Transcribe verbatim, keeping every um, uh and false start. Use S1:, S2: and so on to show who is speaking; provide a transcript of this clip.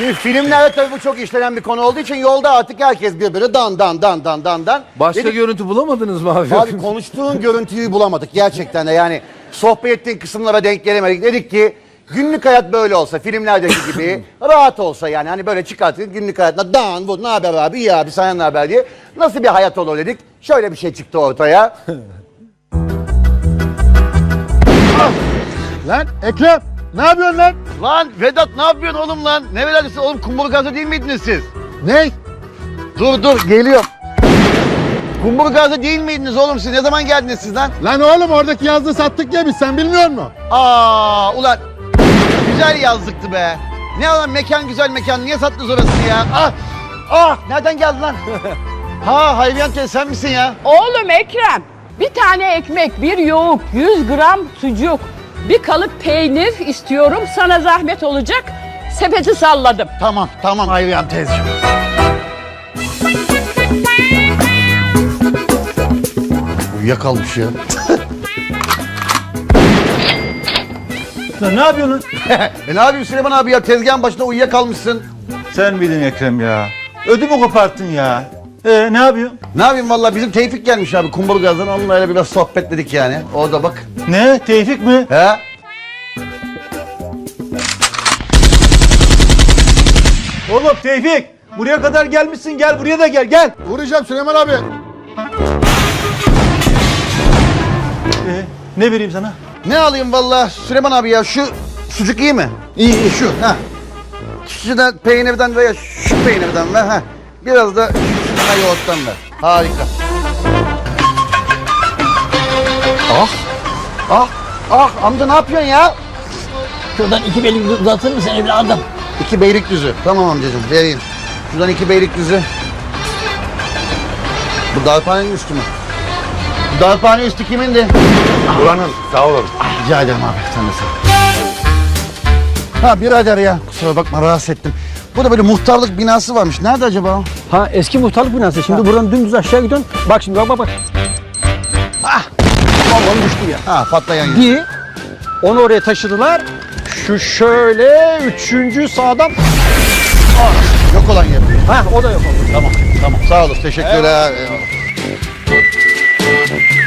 S1: Şimdi filmlerde tabii bu çok işlenen bir konu olduğu için yolda artık herkes birbirine dan dan dan dan dan dan.
S2: Başka
S1: Dedik,
S2: görüntü bulamadınız mı abi?
S1: abi konuştuğun görüntüyü bulamadık gerçekten de yani sohbet ettiğin kısımlara denk gelemedik. Dedik ki günlük hayat böyle olsa filmlerdeki gibi rahat olsa yani hani böyle çıkarttık günlük hayatına dan bu ne haber abi iyi abi sana ne haber diye nasıl bir hayat olur dedik. Şöyle bir şey çıktı ortaya.
S3: Lan Ekrem ne yapıyorsun lan?
S1: Lan Vedat ne yapıyorsun oğlum lan? Ne Vedat'ı oğlum kumburgazda değil miydiniz siz?
S3: Ne?
S1: Dur dur geliyor. Kumburgazda değil miydiniz oğlum siz? Ne zaman geldiniz siz lan?
S3: Lan oğlum oradaki yazdığı sattık ya biz sen bilmiyor musun?
S1: Aa ulan güzel yazlıktı be. Ne lan mekan güzel mekan niye sattınız orasını ya? Ah ah nereden geldin lan? Ha Hayriyan teyze sen misin ya?
S4: Oğlum Ekrem, bir tane ekmek, bir yoğurt, yüz gram sucuk, bir kalıp peynir istiyorum. Sana zahmet olacak. Sepeti salladım.
S1: Tamam tamam Hayriyan teyzeciğim. Uyuyakalmış ya.
S5: Lan ne yapıyorsun?
S1: e ne yapayım Süleyman abi ya tezgahın başında uyuyakalmışsın.
S5: Sen miydin Ekrem ya? Ödümü koparttın ya. Ee ne yapıyorsun?
S1: Ne yapayım valla bizim Tevfik gelmiş abi Kumburgaz'dan onunla öyle biraz sohbetledik yani. Orada bak.
S5: Ne? Tevfik mi?
S1: He?
S5: Oğlum Tevfik! Buraya kadar gelmişsin gel buraya da gel gel.
S3: Vuracağım Süleyman abi.
S5: Ee, ne vereyim sana?
S1: Ne alayım valla Süleyman abi ya şu sucuk iyi mi? İyi iyi şu ha. Şuradan peynirden veya şu peynirden ver ha. Biraz da şuna yoğurttan ver. Harika. Ah. Ah. Ah amca ne yapıyorsun ya?
S6: Şuradan iki beylik uzatır mısın evladım?
S1: İki Beylikdüzü. Tamam amcacığım vereyim. Şuradan iki Beylikdüzü. Bu darphanenin üstü mü? Bu darphane üstü kimindi?
S3: Buranın sağ olun.
S1: Rica ederim abi sen de sağ. Ha birader ya kusura bakma rahatsız ettim. Burada böyle muhtarlık binası varmış. Nerede acaba o?
S6: Ha eski muhtarlık binası. Şimdi buradan dümdüz aşağı gidiyorsun. Bak şimdi bak bak bak.
S1: Ah!
S6: Vallahi düştü ya.
S1: Ha patlayan yer.
S6: Bir, onu oraya taşıdılar. Şu şöyle üçüncü sağdan.
S1: Yok olan yer.
S6: Ha o da yok oldu.
S1: Tamam tamam sağ olasın teşekkürler. Eyvallah.